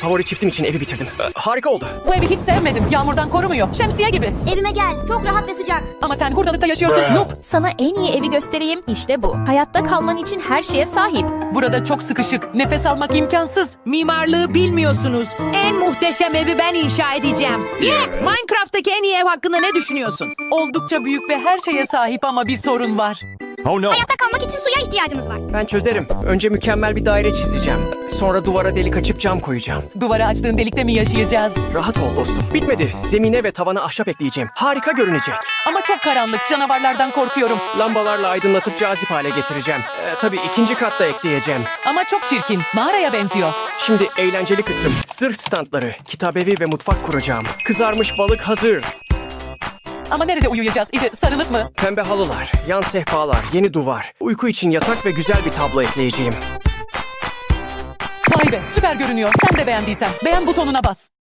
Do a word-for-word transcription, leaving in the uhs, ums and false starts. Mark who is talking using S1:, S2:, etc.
S1: Favori çiftim için evi bitirdim. Ee, harika oldu.
S2: Bu evi hiç sevmedim. Yağmurdan korumuyor. Şemsiye gibi.
S3: Evime gel. Çok rahat ve sıcak.
S2: Ama sen hurdalıkta yaşıyorsun. Noob.
S4: Sana en iyi evi göstereyim. İşte bu. Hayatta kalman için her şeye sahip.
S2: Burada çok sıkışık. Nefes almak imkansız.
S5: Mimarlığı bilmiyorsunuz. En muhteşem evi ben inşa edeceğim. Minecraft'taki en iyi ev hakkında ne düşünüyorsun?
S2: Oldukça büyük ve her şeye sahip ama bir sorun var.
S1: Oh no.
S3: Hayatta kalmak için suya ihtiyacımız var.
S1: Ben çözerim. Önce mükemmel bir daire çizeceğim. Sonra duvara delik açıp cam koyacağım.
S2: Duvara açtığın delikte mi yaşayacağız?
S1: Rahat ol dostum. Bitmedi. Zemine ve tavana ahşap ekleyeceğim. Harika görünecek.
S2: Ama çok karanlık. Canavarlardan korkuyorum.
S1: Lambalarla aydınlatıp cazip hale getireceğim. Ee, tabii ikinci katta ekleyeceğim.
S2: Ama çok çirkin. Mağaraya benziyor.
S1: Şimdi eğlenceli kısım. Zırh standları, kitabevi ve mutfak kuracağım. Kızarmış balık hazır.
S2: Ama nerede uyuyacağız? İyice sarılıp mı?
S1: Pembe halılar, yan sehpalar, yeni duvar. Uyku için yatak ve güzel bir tablo ekleyeceğim.
S2: Vay be, süper görünüyor. Sen de beğendiysen beğen butonuna bas.